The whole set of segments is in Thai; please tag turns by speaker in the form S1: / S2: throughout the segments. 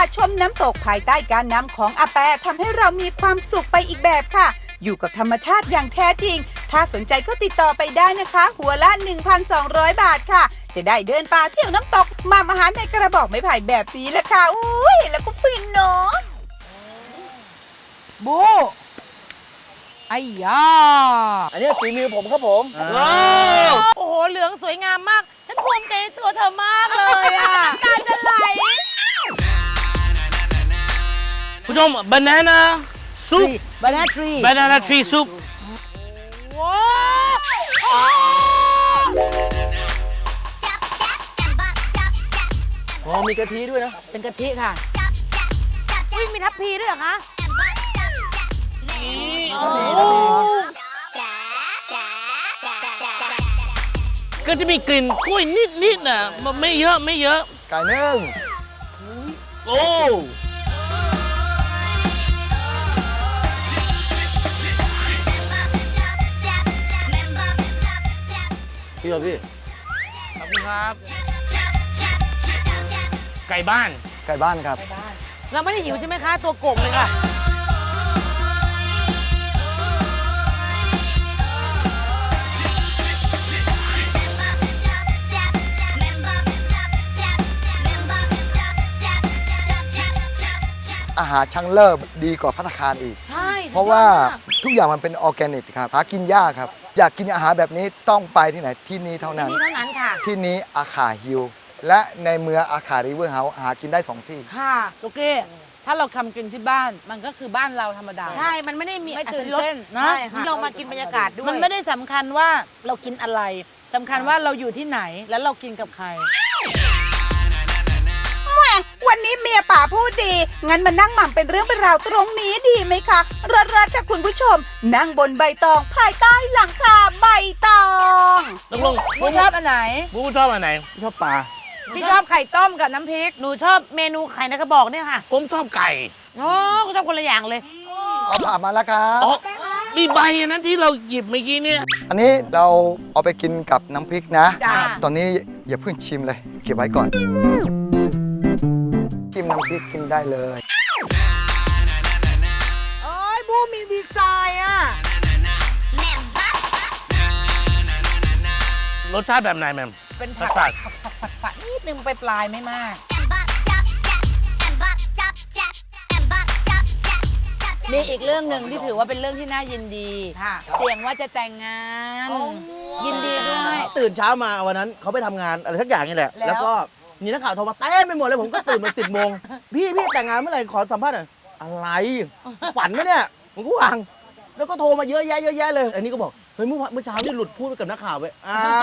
S1: ชมน้ำตกภายใต้การนำของอาแปทำให้เรามีความสุขไปอีกแบบค่ะ อยู่กับธรรมชาติอย่างแท้จริงถ้าสนใจก็ติดต่อไปได้นะคะ หัวละ 1,200 บาทค่ะจะได้เดินป่าเที่ยวน้ำตกหม่ำอาหารในกระบอกไม้ไผ่แบบนี้แหละค่ะอุ้ยแล้วก็ฟินเนาะ
S2: บูไอ้ยา
S3: อันนี้ฝีมือผมครับผม
S4: โอ้โหเหลืองสวยงามมาก ฉันภูมิใจในตัวเธอมากเลยอ่ะตาจะไหล
S3: ผู้ชม banana soup
S2: บานาทรี
S3: banana tree soup
S4: ว้าว
S3: อ๋อมีกะทิด้วยนะ
S2: เป็นกะทิค่ะ
S4: อุ๊ยมีทัพพีด้วยเหรอคะ
S3: ก็จะมีกลิ่นกล้วยนิดๆน่ะมันไม่เยอะไม่เยอะ
S5: ไก่นึ่ง
S3: โอ้
S5: พี่เหรอพี่
S3: ขอบคุณครับ ไก่บ้าน
S5: ไก่บ้านครับ
S4: เราไม่ได้หิวใช่ไหมคะ ตัวโก่งเลยค่ะ
S5: อาหารช่างเลิศดีกว่าภัตตาคารอีก
S4: ใช่
S5: เพราะว่าทุกอย่างมันเป็นออร์แกนิกครับหากินยากครับ อยากกินอาหารแบบนี้ต้องไปที่ไหนที่นี่เท่านั้น
S4: นี่เท่านั้นค่ะ
S5: ที่นี้อาคาฮิลและในเมืองอาคาริเวอร์เฮาส์หากินได้ 2 ที่
S4: ค่ะ
S2: โอเค ถ้าเราทำกินที่บ้าน มันก็คือบ้านเราธรรมดา
S4: ใช่ มันไม่ได้มี
S2: ไม่ตื่น
S4: รส
S2: เต้นนะ
S4: ใช่ค่ะเรามากินบรรยากาศด้วย
S2: มันไม่ได้สำคัญว่าเรากินอะไรสำคัญว่าเราอยู่ที่ไหนแล้วเรากินกับใคร
S1: แหมวันนี้เมียป่าพูดดี งั้นมานั่งหม่ำเป็นเรื่องเป็นราวตรงนี้ดีไหมคะเลิศๆค่ะคุณผู้ชม นั่งบนใบตองภายใต้หลังคาใบตอง
S3: ตกลง
S2: บูชอบอันไหน
S3: บูชอบอันไหน
S5: ชอบปลา
S2: พี่ชอบไข่ต้มกับน้ำพริก
S4: หนูชอบเมนูไข่ในกระบอกเนี่ยค่ะ
S3: ผมชอบไก่
S4: โอ้ก็ชอบคนละอย่างเลย
S5: เอาผ่ามาแล้วครับ
S3: อ๋อ มีใบอันนั้นที่เราหยิบเมื่อกี้เนี่ย
S5: อันนี้เราเอาไปกินกับน้ำพริกนะ
S4: จ้า
S5: ตอนนี้อย่าเพิ่งชิมเลย เก็บไว้ก่อน ชิมน้ำพริกกินได้เลย
S2: โอ้ยบูมีดีไซน์อ่ะ
S3: รสชาติแบบไหนแม่ม
S2: เป็น
S3: ร
S2: ผั
S3: ส
S2: ด
S3: ชาติ
S2: ผัดนิดนึงไปปลายไม่มาก มีอีกเรื่องหนึ่งที่ถือว่าเป็นเรื่องที่น่ายินดี
S4: ค่ะ
S2: เสี่ยงว่าจะแต่งงาน ยินดีด้วย
S6: ตื่นเช้ามาวันนั้นเขาไปทำงานอะไรทักอย่างนี่แหละ
S2: แล้ว
S6: แล้วก็มีนักข่าวโทรมาเต็มไปหมดเลยผมก็ตื่นมา10 โมงพี่แต่งงานเมื่อไหร่ขอสัมภาษณ์หน่อยอะไรฝันไหมเนี่ยผมก็วางแล้วก็โทรมาเยอะแยะเลย อันนี้ก็บอกเฮ้ยเมื่อเช้านี่หลุดพูดไปกับนักข่าวไปอ้าว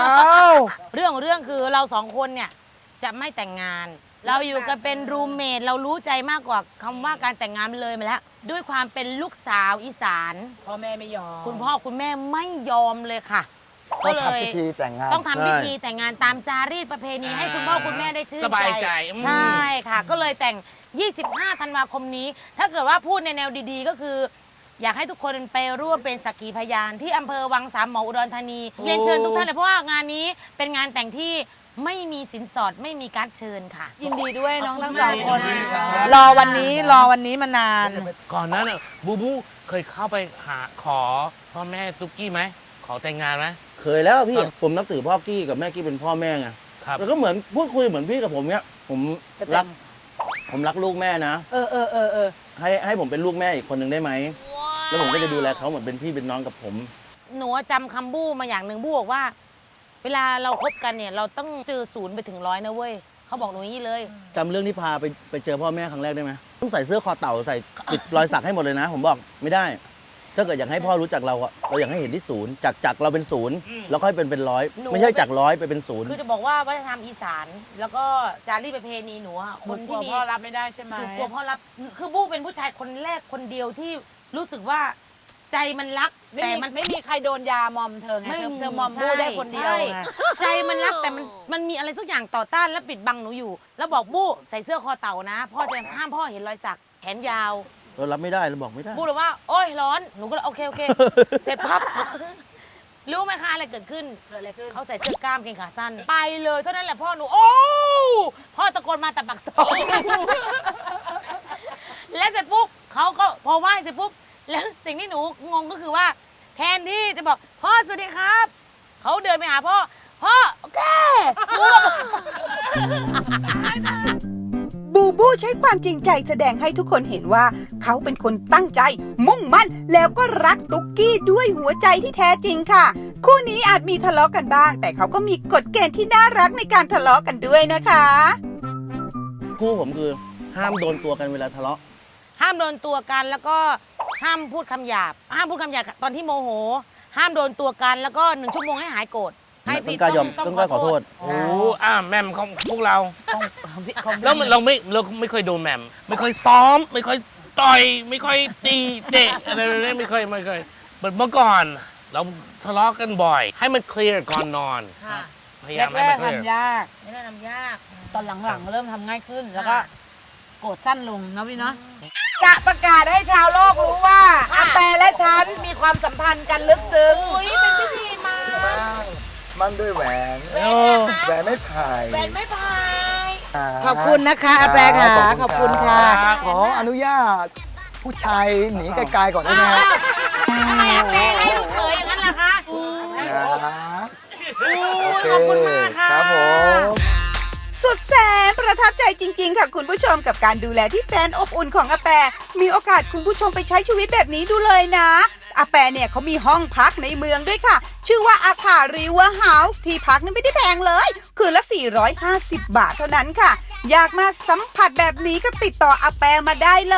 S4: เรื่องคือเราสองคนเนี่ยจะไม่แต่งงาน เราอยู่กันเป็นรูมเมทเรารู้ใจมากกว่าคำว่าการแต่งงานเลยมาแล้ว ด้วยความเป็นลูกสาวอีสาน
S2: พ่อแม่ไม่ยอม
S4: คุณพ่อคุณแม่ไม่ยอมเลยค่ะ
S5: ต้
S4: ก็
S5: อง
S4: เลย
S5: ทำพิธีแต่งงาน
S4: ต้องทำพิธีแต่งงานตามจารีตประเพณีให้คุณพ่อคุณแม่ได้ชื่น
S3: สบายใจ
S4: ใช่ค่ะ ก็เลยแต่ง 25 ธันวาคมนี้ ถ้าเกิดว่าพูดในแนวดีๆ ก็คือ อยากให้ทุกคนไปร่วมเป็นสักขีพยานที่อำเภอวังสามหมออุดรธานี เรียนเชิญทุกท่านเลยเพราะว่างานนี้เป็นงานแต่งที่ไม่มีสินสอดไม่มีการดเชิญค่ะ
S2: ยินดีด้วยน้องทั้งสอง
S4: ขอบ
S2: ค
S4: คุ
S2: น
S4: ณมาก
S2: รอวันนี้มานาน
S3: ก่อนนั้นน่ะบูบูเคยเข้าไปหาขอพ่อแม่ตุ๊กกี้ไหม ขอแต่งงานไหม
S6: เคยแล้วพี่
S3: ครับ
S6: ผมนับถือพ่อกี้กับแม่กี้เป็นพ่อแม่ไง
S3: ครับ
S6: แล้วก็เหมือนพูดคุยเหมือนพี่กับผมเนี้ยผมรักลูกแม่นะ
S2: เออ
S6: ให้ผมเป็นลูกแม่อีกคนหนึ่งได้ไหมแล้วผมก็จะดูแลเขาเหมือนเป็นพี่เป็นน้องกับผม
S4: หนูจำคำบู้มาอย่างหนึ่งบู้บอกว่า เวลาเราคบกันเนี่ยเราต้องเจอ0ไปถึง100นะเว้ยเขาบอกหนูอย่างนี้เลย
S6: จำเรื่องที่พาไปเจอพ่อแม่ครั้งแรกได้ไหมต้องใส่เสื้อคอเต่าใส่ติดรอยสักให้หมดเลยนะ ผมบอกไม่ได้ ถ้าเกิดอยากให้พ่อรู้จักเราอะเราอยากให้เห็นที่0จากเราเป็น0แล้วค่อยเป็นร้อย
S4: หนู
S6: ไม่ใช่จาก100ไปเป็น0
S4: คือจะบอกว่าวัฒนธรรมอีสาน แล้วก็จารีตประเพณีหนูอะ
S2: ๆ
S4: คน
S2: กลั
S4: ที่
S2: ว
S4: มี
S2: พ่อรับไม่ได้ใช่ไหม
S4: หนูกลัวพ่อรับคือบู้เป็นผู้ชายคนแรกคนเดียวที่รู้สึกว่าใจมันรัก
S2: แต่
S4: แต่
S2: มั
S4: มัน น
S2: ไม่มีใครโดนยามอมเธอไงเธอมอมบู้ได้คนเดียวไง
S4: ใจมันรักแต่มันมีอะไรสักอย่างต่อต้านและปิดบังหนูอยู่ แล้วบอกบู้ใส่เสื้อคอเต่านะพ่อจะห้ามพ่อเห็นรอยสักแขนยาว
S6: เรารับไม่ได้เราบอกไม่ได้
S4: บู้เลยว่าโอ๊ยร้อนหนูก็เลยโอเค เสร็จพับรู้ไหมคะอะไรเกิดขึ้น
S2: เกิดอะไรขึ้น
S4: เขาใส่เสื้อกล้ามเกงขาสั้น ไปเลยเท่านั้นแหละพ่อหนูโอ้พ่อตะโกนมาแต่ปักซอยแล้วเสร็จปุ๊บเขาก็พอไหว้เสร็จปุ๊บแล้วสิ่งที่หนูงงก็คือว่าแทนที่จะบอกพ่อสวัสดีครับเขาเดินไปหาพ่อโอเค
S1: บูบูใช้ความจริงใจแสดงให้ทุกคนเห็นว่าเขาเป็นคนตั้งใจ มุ่งมั่นแล้วก็รักตุ๊กกี้ด้วยหัวใจที่แท้จริงค่ะ คู่นี้อาจมีทะเลาะกันบ้าง แต่เขาก็มีกฎเกณฑ์ที่น่ารักในการทะเลาะกันด้วยนะคะ
S6: คู่ผมคือห้ามโดนตัวกันเวลาทะเลาะ
S4: ห้ามโดนตัวกันแล้วก็ห้ามพูดคำหยาบห้ามพูดคำหยาบตอนที่โมโห ห้ามโดนตัวกันแล้วก็1 ชั่วโมงให้หายโกรธให้ผิด
S6: ต้องกล้ายอมต้องกล้าขอโทษ
S3: โอ้แหม่มของพวกเราแล้วเราไม่เคยโดนแหม่มไม่เคยซ้อม ไม่เคยต่อยไม่เคยตีเตะอะไรเลยไม่เคยเมื่อก่อน เราทะเลาะกันบ่อย ให้มันเคลียร์ก่อนนอน
S4: ค่ะ
S3: พยายามให้มันเคลียร์
S2: ทำยาก
S4: ไม่ได้ทำยาก
S2: ตอนหลังๆเริ่มทำง่ายขึ้น แล้วก็โกรธสั้นลงนะพี่เนาะ
S1: จะประกาศให้ชาวโลกรู้ว่าอาแปและฉันมีความสัมพันธ์กันลึกซึ้ง
S4: อุ้ยเป็นพิธีมา
S5: มั่นด้วยแหวน
S3: โอ้
S5: แหวนไม่พาย
S4: เป็นไม่พาย
S2: ขอบคุณนะคะอาแปะค่ะขอบคุณค่ะ
S5: ขออนุญาตผู้ชายหนีไกลๆก่อนได้ไหมฮะ
S4: ทำไมอาแปะไล่ลูกเขยอย่างนั้นล่ะคะ
S5: โอเค
S4: ขอบคุณมากค่ะ
S5: ครับผม
S1: สุดแสนประทับใจจริง ๆ ค่ะคุณผู้ชมกับการดูแลที่แสนอบอุ่นของอาแปมีโอกาสคุณผู้ชมไปใช้ชีวิตแบบนี้ดูเลยนะอาแปเนี่ยเขามีห้องพักในเมืองด้วยค่ะ ชื่อว่าอาคาริเวอร์เฮาส์ที่พักนี่ไม่ได้แพงเลย คืนละ 450 บาทเท่านั้นค่ะ อยากมาสัมผัสแบบนี้ก็ติดต่ออาแปมาได้เลย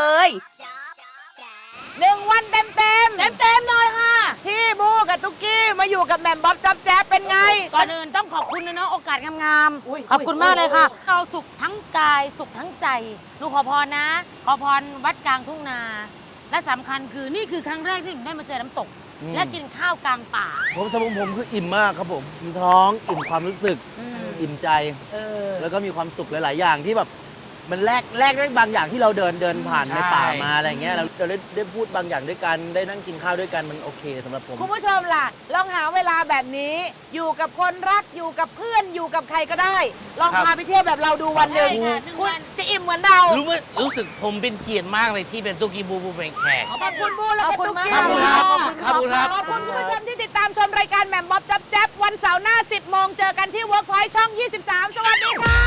S2: 1 วันเต็มๆ
S4: เต็มๆหน่อยค่ะ
S2: ที่บูกับตุ๊กกี้มาอยู่กับแหม่มบ๊อบจ๊อบแจ๊บเป็นไง
S4: ก่อนอื่นต้องขอบคุณนะเนาะโอกาสงาม
S2: อุ๊ย
S4: ๆขอบคุณมากเลยค่ะ เราสุขทั้งกายสุขทั้งใจหนูขอพรนะ ขอพรวัดกลางทุ่งนา และสำคัญคือนี่คือครั้งแรกที่หนูได้มาเจอน้ำตก และกินข้าวกลางป่า
S6: ผมสำหรับผมคืออิ่มมากครับผมอิ่มท้องอิ่มความรู้สึก อิ่มใจ แล้วก็มีความสุขหลาย ๆ อย่างที่แบบมันแลกด้วยบางอย่างที่เราเดินผ่านในป่ามาอะไรเงี้ยเราได้พูดบางอย่างด้วยกันได้นั่งกินข้าวด้วยกันมันโอเคสำหรับผม
S2: คุณผู้ชมล่ะ ลองหาเวลาแบบนี้ อยู่กับคนรักอยู่กับเพื่อนอยู่กับใครก็ได้ ลอง
S3: ครับ
S2: พาไปเที่ยวแบบเราดูวันหนึ่ง
S4: ใช่ค่ะ1
S2: คุณ
S4: วัน
S2: จะอิ่มเหมือนเรา
S3: รู้สึกผมเป็นเกียรติมากเลยที่เป็นตุ๊กกี้บูบูเป็นแขก
S2: ขอบคุณบูแล้วก็ตุ๊กกี้
S3: ขอบคุณครับขอบคุณครับ
S2: ขอบคุณคุณผู้ชมที่ติดตามชมรายการแหม่มบ๊อบจ๊อบแจ๊บวันเสาร์หน้า 10 โมงเจอกันที่ Workpoint ช่อง 23 สวัสดีค่ะ